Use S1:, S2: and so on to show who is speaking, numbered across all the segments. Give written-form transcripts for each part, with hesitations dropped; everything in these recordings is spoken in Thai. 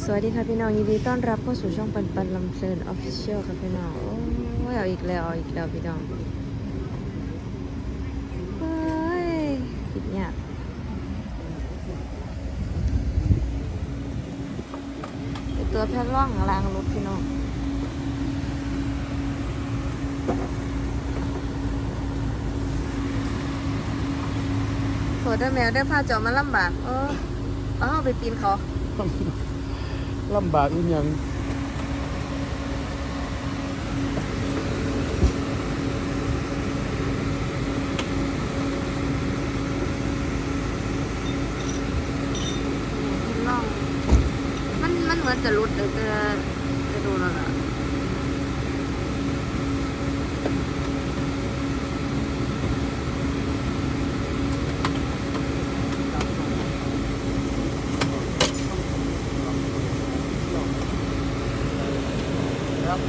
S1: สวัสดีค่ะพี่น้องยินดีต้อนรับเข้าสู่ช่องปันปันลำเพลินออฟฟิเชียลค่ะพี่น้องโอ้ยเอาอีกแล้วพี่น้องเฮ้ยคิดยากเป็นตัวแพทย์ร่องล้างรถพี่น้องโถได้แมวได้ผ้าเจาะมาลำบากเอาไปปีนเขา
S2: ลำบากอีกอย่าง
S1: ล่องมันเหมือนจะรุดเลยจะดูแล้วล่ะ
S2: ครับ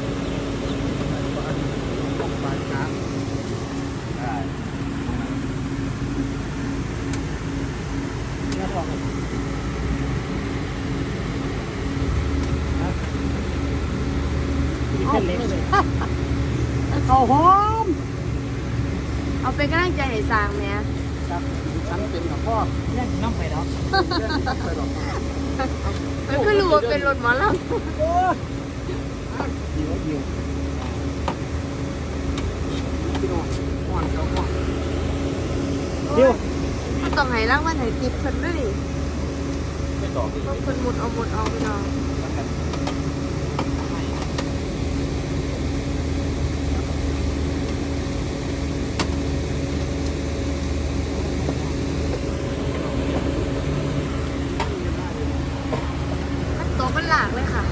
S2: ปลายน้ำได้เนี่ยพอครับเอาเล็กเลยข้าวหอม
S1: เอาเป็นกำลังใจให้สร้างเนี่ย
S2: ครับฉันเป็นกับพ่อเล่นน้ำไปแล้วเล่นน้ำไปหรอก
S1: มันก็รู้ว่าเป็นรถหมอลำ
S2: โอ้ยหิวพี่น้องห่อนเจ้าห่อนเดี๋ยว
S1: มันต้องให้รางวัลให้ติปเพิ่นด้วยดิ
S2: ไม่ต่อ
S1: เพราะเพิ่นหมุดเอาพี่น้องมันตกมันหลากเลยค่ะ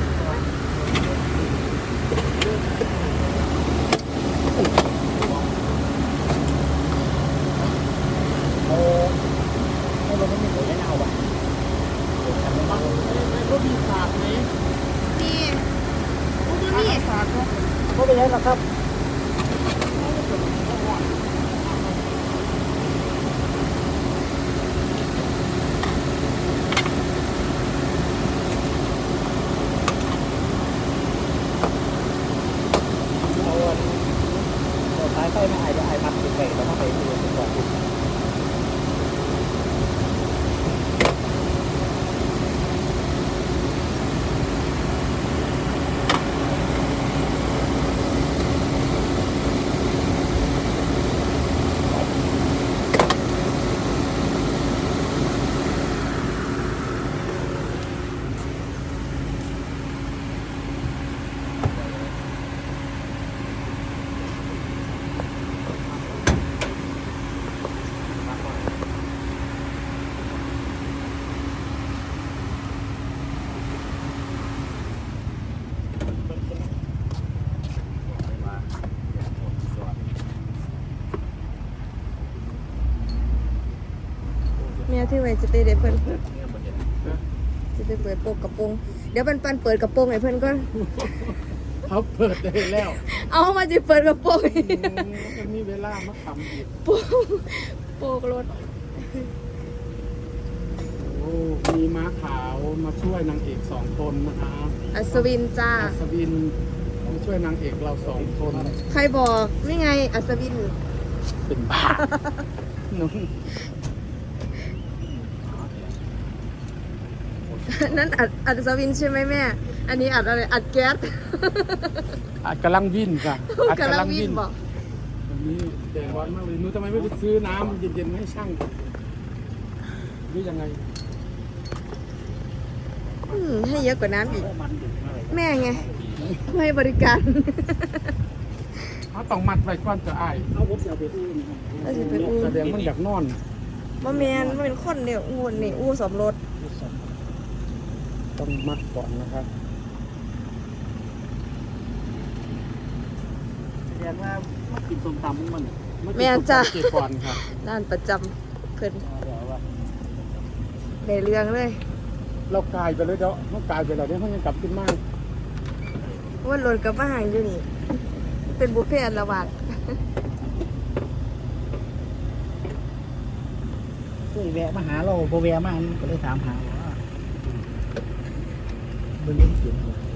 S2: ให้รถไม่มีผลให้เอาอ่ะรถมีขาดไหม
S1: นี่ดูนี่
S2: ขาดครับก็ไปยังหรอครับท้ายไฟไม่อายจะอายมัดติดเบรกแล้วก็ไปดูก่อน
S1: แม่ที่ไว้จะไปเดี๋ยวเพิ่นจะไปเปิดโปกกระโปรงเดี๋ยวปันเปิดกระโปรงให้เพิ่นก่อน
S2: เขาเปิดได้แล้ว
S1: เอามาจะเปิดกระโปรง
S2: มันมีเวลามาทำอีก
S1: โปกรถ
S2: โอ้มีม้าขาวมาช่วยนางเอก2 คนนะครับ
S1: อัศวินจ้า
S2: อัศวินมาช่วยนางเอกเรา2 คน
S1: ใครบอกนี่ไงอัศวิน
S2: เป็นบ้านุ่ง
S1: นั่นอัศวินใช่ไหมแม่อันนี้อัดอะไรอัดแก๊ส
S2: อาจกำลังวิ่งค่ะอาจ
S1: กำลังวิ่งบอก
S2: วันนี้แดดร้อนมากเลยหนูทำไมไม่ไปซื้อน้ำเย็นๆมาให้ช่างหรือยังไง
S1: ให้เยอะกว่าน้ำอีกแม่ไงให้บริการ
S2: เขาต้องมัดไว้ก่อนจะอาย
S3: เอาผมจะเอาไปอู้นะครับ
S1: แล้วสิไปอู้
S2: แสดงมันอยากนอน
S1: บ่แมนมันเป็นคนเนี่ยงูนี่อู้สมรส
S2: ต้องมัดก่อนนะครับ
S3: แสดงว่ามากินส้มตำมัน
S1: แม่จ้า
S2: เก็บก่อนครับ
S1: ร้านประจำเพิ่น
S3: เดี๋ยวว่า
S1: ได้เรื่องเลย
S2: เรากลายไปเลยเดี๋ยวเขากลายไปแล้วเดี๋ยวเขายังกลับขึ้นมา
S1: ว่ารถกับมาหางอยู่นี่ เป็นบุฟเฟ่ต์อันละบาท
S3: เคยแวะมาหาเราโบแวะมาก็เลยถามหาว่า
S2: มันเล่นเกม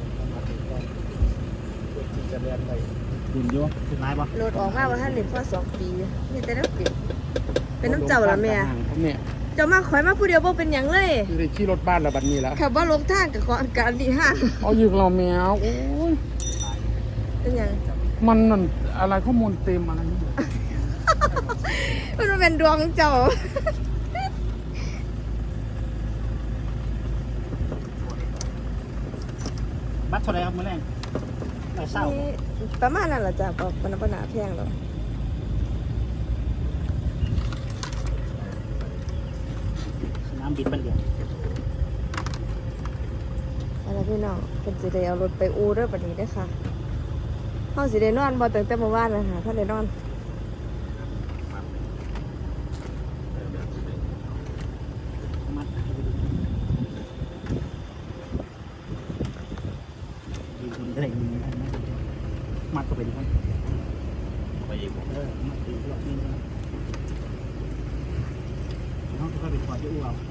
S2: จะเรียนอะไรดินเยอะ
S3: ถึงไหนบ่
S1: รถออกมาว่าท่านเด็กพ่อ2 ปีมีแต่น้ำปิดเป็นน้ำเจ้าละแม่
S2: เนี่ย
S1: เจ้ามาข่อยมาผู้เดียวบ่เป็นหยังเลย
S2: คือได้ขี่รถบ้านแล้วบัดนี้แล้ว
S1: ขับว่าลงทางกับขออาการดีห้าง
S2: เอาอยู่เราแมวโอ้ย
S1: เป็นหยัง
S2: มันนั่นอะไรข้อมูลเต็มอะไรนี่
S1: มันเป็นดวงเจ้า
S3: บัตรเท่าไหร่ครับมื้อแรกได้เศร้า
S1: นี่ประมาณนั้นแหละจ้ะบอกปนปัญหาแพงแล้ว
S3: สนามบินบันเดียว
S1: อะไรพี่น้องเป็นสิได้เอารถไปอู่เด้อบัดนี้เด้อค่ะเฮาสิได้นอนบ่ตั้งแต่เมื่อวานน่ะค่ะท่านได้นอน
S3: มัดยืนอะไรยืนมัดเข้าไปดิครับไปอีกมัดตีรอบนี้นะน้องก็ไปขอที่อู่เอา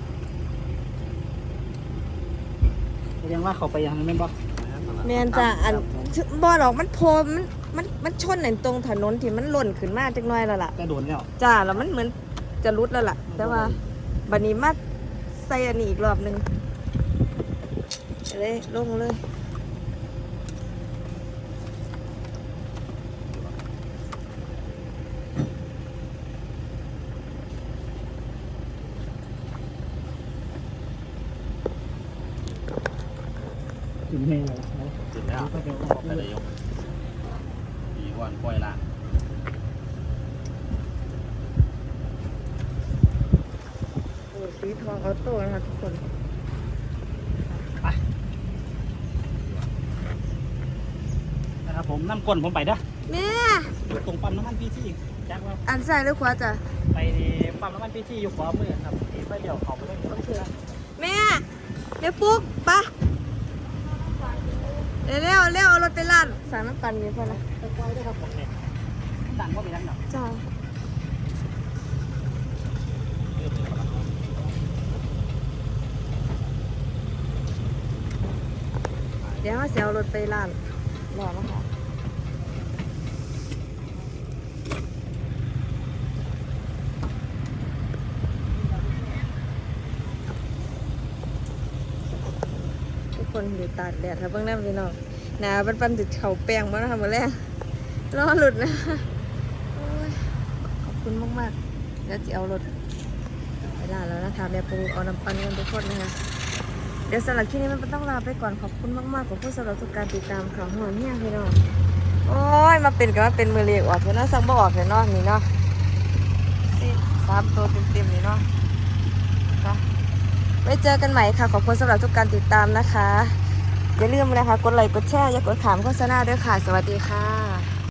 S3: แสดงว่าเขาไปยังไม่นบ่
S1: แม่นจ้ะอันบ่ดอกมันโพมันชนในตรงถนนที่มันหล่นขึ้นมาจักหน่อยแล้วล่ะ
S3: แต่โดนแล้ว
S1: จ้าแล้วมันเหมือนจะรุดแล้วล่ะ แต่ว่าบัดนี้มาใส่อันนี้อีกรอบหนึงเลยลงเลย
S3: ถึงแม่เลย
S4: ถึงแล้วไปเลยยกปีก่อนปล่อยละ
S1: โอ้สีทองออโต้นะคะทุกคน
S3: นะครับผมน้ำก้นผมไปเด้อ
S1: แม่
S3: อยู่ตรงปั๊มน้ำมันพีทีแจ็คว่า
S1: อันใส่หรือขวาจ้ะ
S3: ไปปั๊มน้ำมันพีทีอยู่ขวามือครับที่ไปเดี๋ยวเขาไปเล่นโอเค
S1: แม่เดี๋ยวปุ๊กปะเร็วเอารถไปลาดสั่งน้ำปั่นอยู่พ่อนะ
S3: ไปปล่อยด้วยครับผมเนี่ยดังก็ไปดังหนัก
S1: จ้าเดี๋ยวมาเสียเอารถไปลาดรอนะคะทุกคนอยู่ตากแดดครับเบื้องหน้าพี่น้องหนาปันติดเข่าแปลงมาแล้วค่ะมาแรกรอหลุดนะโอ้ยขอบคุณมากๆแล้วจะเอารถไปลาดแล้วนะคะแม่ปูเอาน้ำปันกันทุกคนนะคะเดี๋ยวสำหรับคลิปนี้มันต้องลาไปก่อนขอบคุณมากๆขอบคุณสำหรับทุกการติดตามข่าวหัวเนี่ยพี่น้องโอ้ยมาเป็นกันมาเป็นมือเรียกออกเถอะเนาะสั่งบ่ออกเถอะเนาะนี่เนาะ3 ตัวเต็มๆนี่เนาะค่ะไว้เจอกันใหม่ค่ะขอบคุณสำหรับทุกการติดตามนะคะอย่าลืมนะคะกดไลค์กดแชร์อย่ากดขามโฆษณาด้วยค่ะสวัสดีค่ะ